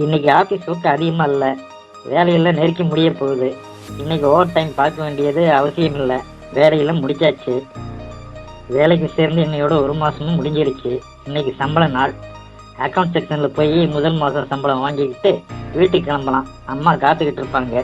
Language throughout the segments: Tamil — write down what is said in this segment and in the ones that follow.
இன்னைக்கு ஆஃபீஸ் ஒர்க் அதிகமாக இல்லை, வேலையெல்லாம் நெருக்கி முடிய போகுது. இன்னைக்கு ஓவர் டைம் பார்க்க வேண்டியது அவசியம் இல்லை, வேலையெல்லாம் முடிச்சாச்சு. வேலைக்கு சேர்ந்து இன்னையோட 1 மாதமும் முடிஞ்சிருச்சு. இன்னைக்கு சம்பள நாள். அக்கௌண்ட் செக்ஷனில் போய் முதல் மாதம் சம்பளம் வாங்கிக்கிட்டு வீட்டுக்கு கிளம்பலாம். அம்மா காத்துக்கிட்டு இருப்பாங்க.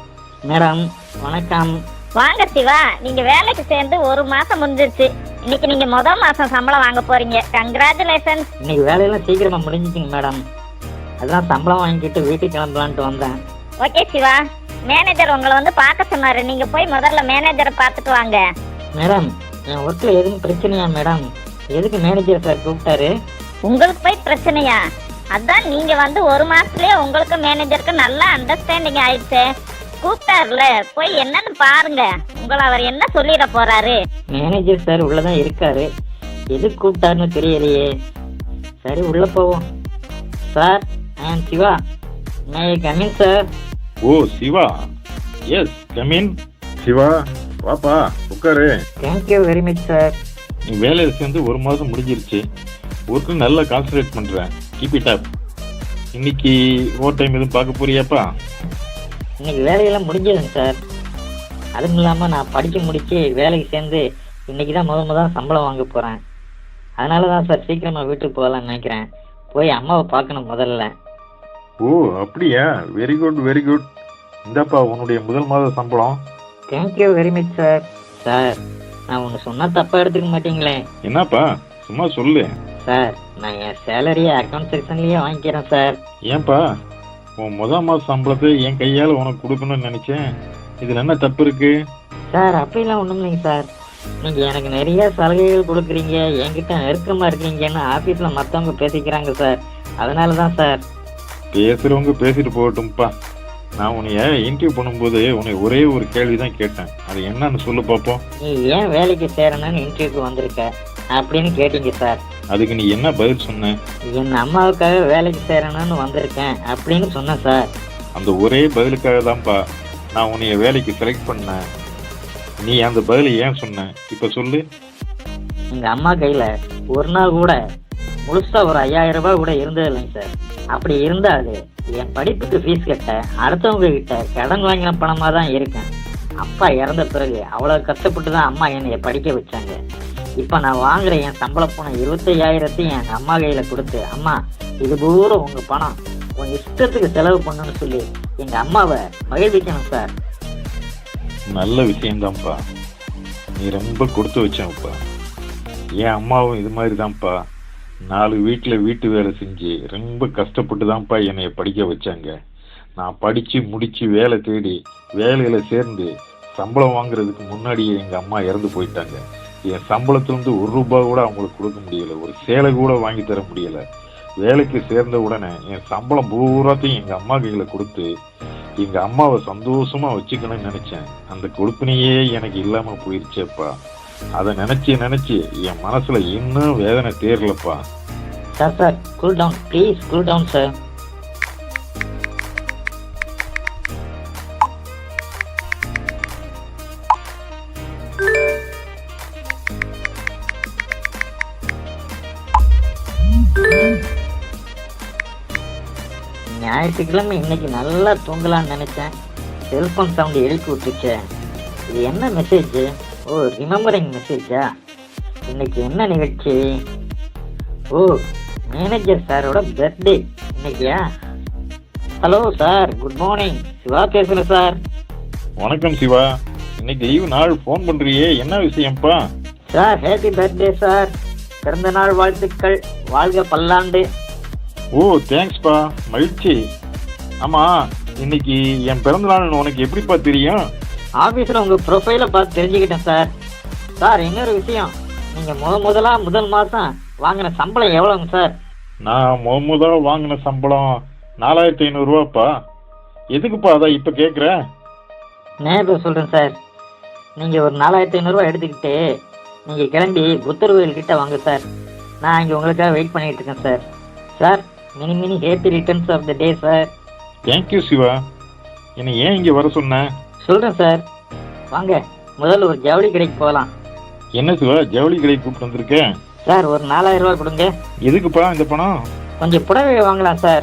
மேடம் வணக்கம். வாங்க சிவா, நீங்க வேலைக்கு சேர்ந்து 1 மாசம் முடிஞ்சிருச்சு. இன்னைக்கு நீங்க முதல் மாசம் சம்பளம் வாங்க போறீங்க. கங்க்ராச்சுலேஷன்ஸ். இன்னைக்கு வேலையெல்லாம் சீக்கிரமா முடிஞ்சிச்சுங்க மேடம். அதான் சம்பளம் வாங்கிக்கிட்டு வீட்டுக்கு கிளம்பலான்ட்டு வந்தேன். ஓகே சிவா, மேனேஜர் உங்களை வந்து பார்க்க சொன்னாரு. நீங்க போய் முதல்ல மேனேஜரை பார்த்துட்டு வாங்க. மேடம் என் ஒர்க்கில் எதுவும் பிரச்சனையா மேடம்? எதுக்கு மேனேஜர் சார் கூப்பிட்டாரு? உங்களுக்கு போய் பிரச்சனையா? அதான் நீங்க வந்து 1 மாசத்துலயே உங்களுக்கு மேனேஜருக்கு நல்லா அண்டர்ஸ்டாண்டிங் ஆயிடுச்சு. கூப்பிட்டாருல, போய் என்னன்னு பாருங்க. உங்களை அவர் என்ன சொல்லிட போறாரு? மேனேஜர் சார் உள்ளதான் இருக்காரு, எதுக்கு கூப்பிட்டாருன்னு தெரியலையே. சரி உள்ள போவோம். Sir I am Siva, may I come in sir? Oh Siva, yes come in. Siva வாப்பா உட்காரு. Thank you very much sir. நீ வேலையை சேர்ந்து 1 மாதம் முடிஞ்சிருச்சு. ஒர்க்கு நல்லா கான்சன்ட்ரேட் பண்ணுறேன். Keep it up. இன்னைக்கு ஓவர் டைம் எதுவும் பார்க்க போறியாப்பா? இன்னைக்கு வேலையெல்லாம் முடிஞ்சதுங்க சார். அதுவும் இல்லாமல் நான் படிக்க முடிச்சு வேலைக்கு சேர்ந்து இன்னைக்கு தான் முதல் சம்பளம் வாங்க போகிறேன். அதனால தான் சார் சீக்கிரமாக வீட்டுக்கு போகலான்னு நினைக்கிறேன். போய் அம்மாவை பார்க்கணும் முதல்ல. ஓ அப்படியா, வெரி குட் வெரி குட். இந்தாப்பா உன்னுடைய முதல் மாத சம்பளம். Thank you very much sir. Sir நான் ஒன்று சொன்னால் தப்பாக எடுத்துக்க மாட்டீங்களே? என்னப்பா சும்மா சொல்லு. சார் நான் என் சேலரியை அக்கௌண்ட் செக்ஷன்லேயே வாங்கிக்கிறேன் சார். ஏன்பா உன் முதல் மாத சம்பளத்தை என் கையால் உனக்கு கொடுக்கணும்னு நினச்சேன். இதில் என்ன தப்பு இருக்கு? சார் அப்படிலாம் ஒன்றும் இல்லைங்க சார். நீங்கள் எனக்கு நிறைய சலுகைகள் கொடுக்குறீங்க, என்கிட்ட நெருக்கமாக இருக்கீங்கன்னு ஆஃபீஸில் மற்றவங்க பேசிக்கிறாங்க சார். அதனால தான் சார். பேசுகிறவங்க பேசிட்டு போகட்டும்ப்பா. நான் உன்னைய இன்டர்வியூ பண்ணும்போது உன்னை ஒரே ஒரு கேள்வி தான் கேட்டேன். அது என்னன்னு சொல்லு பார்ப்போம். நீ ஏன் வேலைக்கு சேரணும்னு இன்டர்வியூக்கு வந்திருக்க அப்படின்னு கேட்டீங்க சார். அதுக்கு நீ என்ன பதில் சொன்ன? என் அம்மாவுக்காக வேலைக்கு சேரணும்னு வந்திருக்கேன் அப்படின்னு சொன்னேன் சார். அந்த ஒரே பதிலுக்காக தான்ப்பா நான் உன்னைய வேலைக்கு செலக்ட் பண்ணேன். நீ அந்த பதிலை ஏன் சொன்ன இப்போ சொல்லு. எங்கள் அம்மா கையில் ஒரு நாள் கூட முழுசாக ஒரு 5000 ரூபாய் கூட இருந்தது இல்லைங்க சார். அப்படி இருந்தாது என் படிப்புக்கு ஃபீஸ் கட்ட அடுத்தவங்க கிட்ட கடன் வாங்கின பணமாக தான் இருக்கேன். அப்பா இறந்த பிறகு அவ்வளோ கஷ்டப்பட்டு தான் அம்மா என்னை படிக்க வச்சாங்க. இப்போ நான் வாங்குற என் சம்பள பணம் 25,000 என் அம்மா கையில் கொடுத்து, அம்மா இது பூரா உங்கள் பணம், உங்கள் இஷ்டத்துக்கு செலவு பண்ணணும்னு சொல்லி எங்கள் அம்மாவை மகிழ்விக்கணும் சார். நல்ல விஷயம்தான்ப்பா. நீ ரொம்ப கொடுத்து வச்சேன்ப்பா. என் அம்மாவும் இது மாதிரி தான்ப்பா 4 வீட்டில் வீட்டு வேலை செஞ்சு ரொம்ப கஷ்டப்பட்டு தான்ப்பா என்னை படிக்க வச்சாங்க. நான் படித்து முடித்து வேலை தேடி வேலையில் சேர்ந்து சம்பளம் வாங்குறதுக்கு முன்னாடியே எங்கள் அம்மா இறந்து போயிட்டாங்க. என் சம்பளத்துலேருந்து 1 ரூபாய் கூட அவங்களுக்கு கொடுக்க முடியலை, ஒரு சேலை கூட வாங்கி தர முடியலை. வேலைக்கு சேர்ந்த உடனே என் சம்பளம் பூராத்தையும் எங்கள் அம்மா கையில் கொடுத்து எங்கள் அம்மாவை சந்தோஷமாக வச்சுக்கணும்னு நினச்சேன். அந்த கொடுப்பினையே எனக்கு இல்லாமல் போயிடுச்சேப்பா. அதை நினச்சி என் மனசில் இன்னும் வேதனை தேரலப்பா. Sir cool down please, cool down sir. ஞாயிற்றுக்கிழமை இன்னைக்கு நல்லா தூங்கலான்னு நினைச்சேன். செல்போன் சவுண்ட் எழுப்பி விட்டுச்சேன். இது என்ன மெசேஜ்? ஓ ரிமெம்பரிங் மெசேஜா? இன்னைக்கு என்ன நிகழ்ச்சி? ஓ மேனேஜர் சாரோட பர்த்டே இன்னைக்கியா? Hello sir, good morning. Siva பேசுகிறேன் சார். வணக்கம் சிவா. இன்னைக்கு லீவு நாள் ஃபோன் பண்ணுறியே, என்ன விஷயம்ப்பா? Sir happy birthday sir. பிறந்த நாள் வாழ்த்துக்கள், வாழ்க பல்லாண்டு. ஓ தேங்க்ஸ்ப்பா, மகிழ்ச்சி. ஆமாம் இன்னைக்கு என் பிறந்த நாள்னு உனக்கு எப்படிப்பா தெரியும்? ஆஃபீஸில் உங்கள் ப்ரொஃபைலை பார்த்து தெரிஞ்சுக்கிட்டேன் சார். சார் இன்னொரு விஷயம், நீங்கள் முதல் மாதம் வாங்கின சம்பளம் எவ்வளோங்க சார்? நான் முதல்ல வாங்கின சம்பளம் 4,500 ரூபாப்பா. எதுக்குப்பா அதான் இப்போ கேட்குற? நேரில் சொல்கிறேன் சார். நீங்கள் ஒரு 4,500 ரூபா எடுத்துக்கிட்டு நீங்கள் கிளம்பி புத்தர் கோயில்கிட்ட வாங்க சார். நான் இங்கே உங்களுக்காக வெயிட் பண்ணிகிட்டு இருக்கேன் sir. Sir many happy returns of the day sir. Thank you Siva. என்னை ஏன் இங்கே வர சொன்ன? சொல்கிறேன் சார், வாங்க முதல்ல ஒரு ஜவுளி கடைக்கு போகலாம். என்ன சிவா ஜவுளி கடை கூப்பிட்டு வந்திருக்கேன்? சார் ஒரு 4,000 ரூபா கொடுங்க. எதுக்குப்பா இந்த பணம்? கொஞ்சம் புடவை வாங்கலாம் சார்.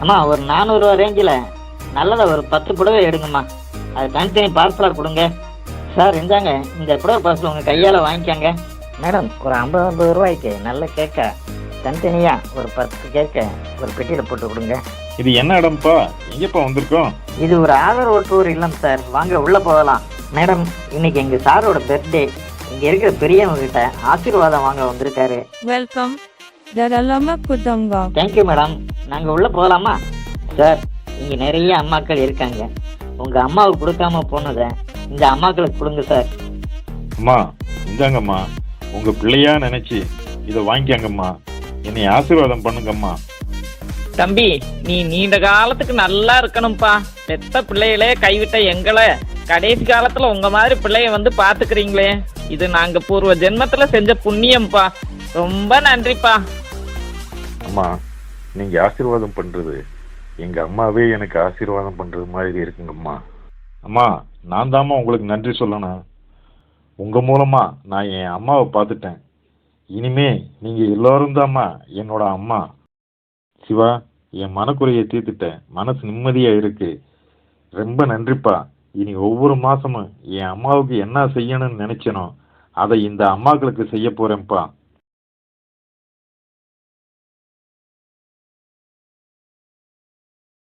அம்மா ஒரு 400 ரேஞ்சில் நல்லதை ஒரு 10 புடவை எடுங்கம்மா. அது தனித்தனி பார்சலாக கொடுங்க. சார் இந்தாங்க, இந்த புடவை பார்சல் உங்கள் கையால் வாங்கிக்கோங்க. மேடம் ஒரு 50 ரூபாய்க்கு நல்ல கேக்கை தனித்தனியாக ஒரு 10 கேக்கை ஒரு பெட்டியில் போட்டு கொடுங்க. இது என்ன இடம்ப்பா? எங்கேப்பா வந்திருக்கோம்? இது ஒரு ஆதரவு டூர் இல்லம் சார், வாங்க உள்ளே போகலாம். மேடம் இன்னைக்கு எங்கள் சாரோட பர்த்டே, இங்கே இருக்கிற பெரியவங்க கிட்ட ஆசீர்வாதம் வாங்க வந்திருக்காரு. வெல்கம் தாராளமா கொடுங்க. Thank you madam. நாங்கள் உள்ளே போகலாமா? சார் இங்கே நிறைய அம்மாக்கள் இருக்காங்க. உங்கள் அம்மாவுக்கு கொடுக்காம போனதை இந்த அம்மாக்களுக்கு கொடுங்க சார். அம்மா இந்தாங்கம்மா, உங்கள் பிள்ளையா நினச்சி இதை வாங்கிக்கங்கம்மா. என்னை ஆசீர்வாதம் பண்ணுங்கம்மா. தம்பி, நீ நீண்ட காலத்துக்கு நல்லா இருக்கணும்ப்பா. பெத்த பிள்ளைகளே கைவிட்ட எங்களை கடைசி காலத்துல உங்க மாதிரி பிள்ளைய வந்து பாத்துக்கிறீங்களே, இது நாங்க பூர்வ ஜென்மத்துல செஞ்ச புண்ணியம்ப்பா. ரொம்ப நன்றிப்பா. அம்மா நீங்கள் ஆசீர்வாதம் பண்ணுறது எங்கள் அம்மாவே எனக்கு ஆசீர்வாதம் பண்ணுறது மாதிரி இருக்குங்கம்மா. அம்மா நான் தாம்மா உங்களுக்கு நன்றி சொல்லணும். உங்கள் மூலமாக நான் என் அம்மாவை பார்த்துட்டேன். இனிமே நீங்கள் எல்லோரும் தாம்மா என்னோட அம்மா. சிவா, என் மனக்குறையை தீர்த்துட்டேன், மனசு நிம்மதியாக இருக்கு. ரொம்ப நன்றிப்பா. இனி ஒவ்வொரு மாதமும் என் அம்மாவுக்கு என்ன செய்யணும்னு நினச்சனோ அதை இந்த அம்மாக்களுக்கு செய்ய போகிறேன்ப்பா.